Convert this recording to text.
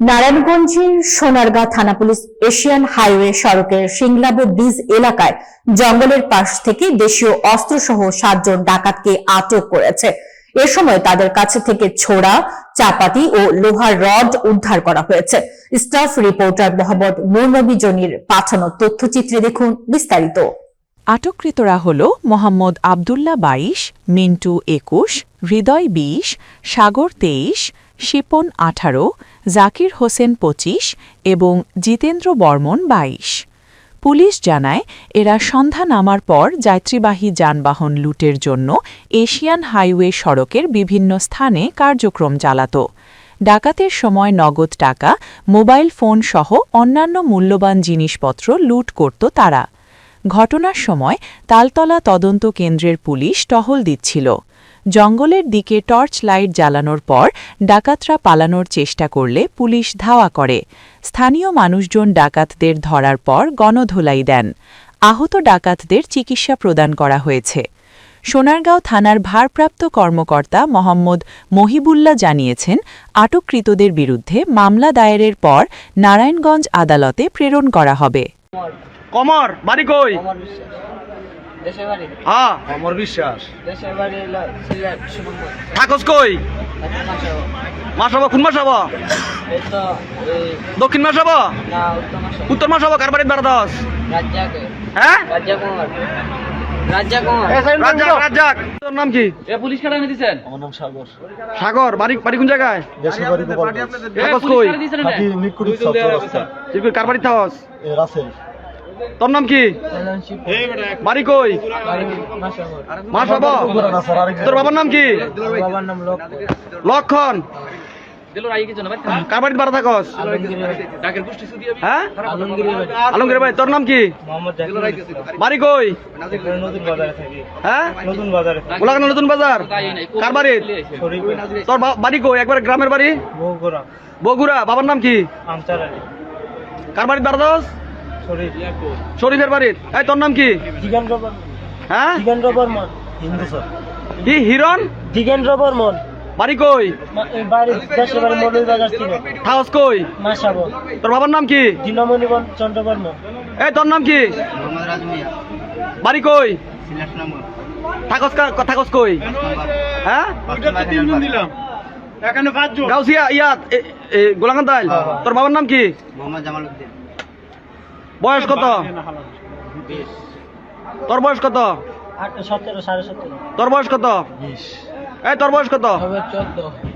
নারায়ণগঞ্জের সোনারগাঁ থানা police Asian highway সড়কের সিংলাবো ব্রিজ এলাকায় জঙ্গলের পাশ থেকে দেশীয় অস্ত্রসহ 7 জন ডাকাতকে আটক করেছে। এ সময় তাদের কাছে থেকে ছোড়া, চাপাতি ও লোহার রড উদ্ধার করা হয়েছে। স্টাফ রিপোর্টার মোহাম্মদ নূরনবী জনির পাঠানো তথ্যচিত্রে দেখুন বিস্তারিত। আটককৃতরা হল মোহাম্মদ আবদুল্লাহ 22, মিন্টু 21, হৃদয় 20, সাগর 23, শিপন 18, জাকির হোসেন 25 এবং জিতেন্দ্র বর্মন 22। পুলিশ জানায়, এরা সন্ধ্যা নামার পর যাত্রীবাহী যানবাহন লুটের জন্য এশিয়ান হাইওয়ে সড়কের বিভিন্ন স্থানে কার্যক্রম চালাত। ডাকাতের সময় নগদ টাকা, মোবাইল ফোন সহ অন্যান্য মূল্যবান জিনিসপত্র লুট করত তারা। ঘটনার সময় তালতলা তদন্ত কেন্দ্রের পুলিশ টহল দিচ্ছিল। জঙ্গলের দিকে টর্চ লাইট জ্বালানোর পর ডাকাতরা পালানোর চেষ্টা করলে পুলিশ ধাওয়া করে। স্থানীয় মানুষজন ডাকাতদের ধরার পর গণধোলাই দেন। আহত ডাকাতদের চিকিৎসা প্রদান করা হয়েছে। সোনারগাঁও থানার ভারপ্রাপ্ত কর্মকর্তা মোহাম্মদ মহিবুল্লাহ জানিয়েছেন, আটককৃতদের বিরুদ্ধে মামলা দায়েরের পর নারায়ণগঞ্জ আদালতে প্রেরণ করা হবে। কমর বাড়ি কই? দেশের বাড়ি হ্যাঁ অমর বিশ্বাস। দেশের বাড়ি হলো সিলেট সুনামগঞ্জ। থাকস কই? মাসাবো কোন মাসাবো? এই তো এই দক্ষিণ মাসাবো না উত্তর মাসাবো কার বাড়ির বারদাস? রাজ্জাকে হ্যাঁ রাজ্জা কুমার রাজ্জা কুমার রাজ্জাক রাজ্জাক। তোর নাম কি? এ পুলিশ কাটা এনে দিবেন? আমার নাম সাগর। সাগর বাড়ি বাড়ি কোন জায়গায়? দেশের বাড়ি গোপালগঞ্জ। থাকস কই? থাকি নিকুড়ি চৌরাস্তা। তুই কই কার বাড়ি থাকস? রাসেল। তোর নাম কি? বাড়ি কই? মাসাবো। তোর বাবার নাম কি? বাবার নাম লোক লক্ষণ। কার বাড়ির বাড়া থাকস? হ্যাঁ আলমগীর ভাই। তোর নাম কি? মোহাম্মদ জাকির। বাড়ি কই? নতুন বাজারে থাকি। হ্যাঁ নতুন বাজারে গোলাঘাট নতুন বাজার। কার বাড়ি? তোর বাড়ি কই? একবার গ্রামের বাড়ি বগুড়া বগুড়া। বাবার নাম কি? আমচারা কার বাড়ির বারদাস? শরীফ শরীফের বাড়ির। এই তোর নাম কি? দিগেন্দ্র বর্মন। হ্যাঁ দিগেন্দ্র বর্মন হিন্দু স্যার। কি হিরণ? দিগেন্দ্র বর্মন। বাড়ি কই? বাড়ি দেশের বাড়ি মৌলভী বাজার ছিল। থাকস কই? মাসাবো। তোর বাবার নাম কি? দীনমণি চন্দ্র বর্মন। এই তোর নাম কি? মোহাম্মদ রাজমিয়া। বাড়ি কই? সিলেট সুনামগঞ্জ। থাকস কই? হ্যাঁ গাউসিয়া ইয়াত গোলাঘাট দাইল। তোর বাবার নাম কি? মোহাম্মদ জামালউদ্দিন। বয়স কত? তোর বয়স কত? 17 17.5। তোর বয়স কত? 20। এই তোর বয়স কত? 14।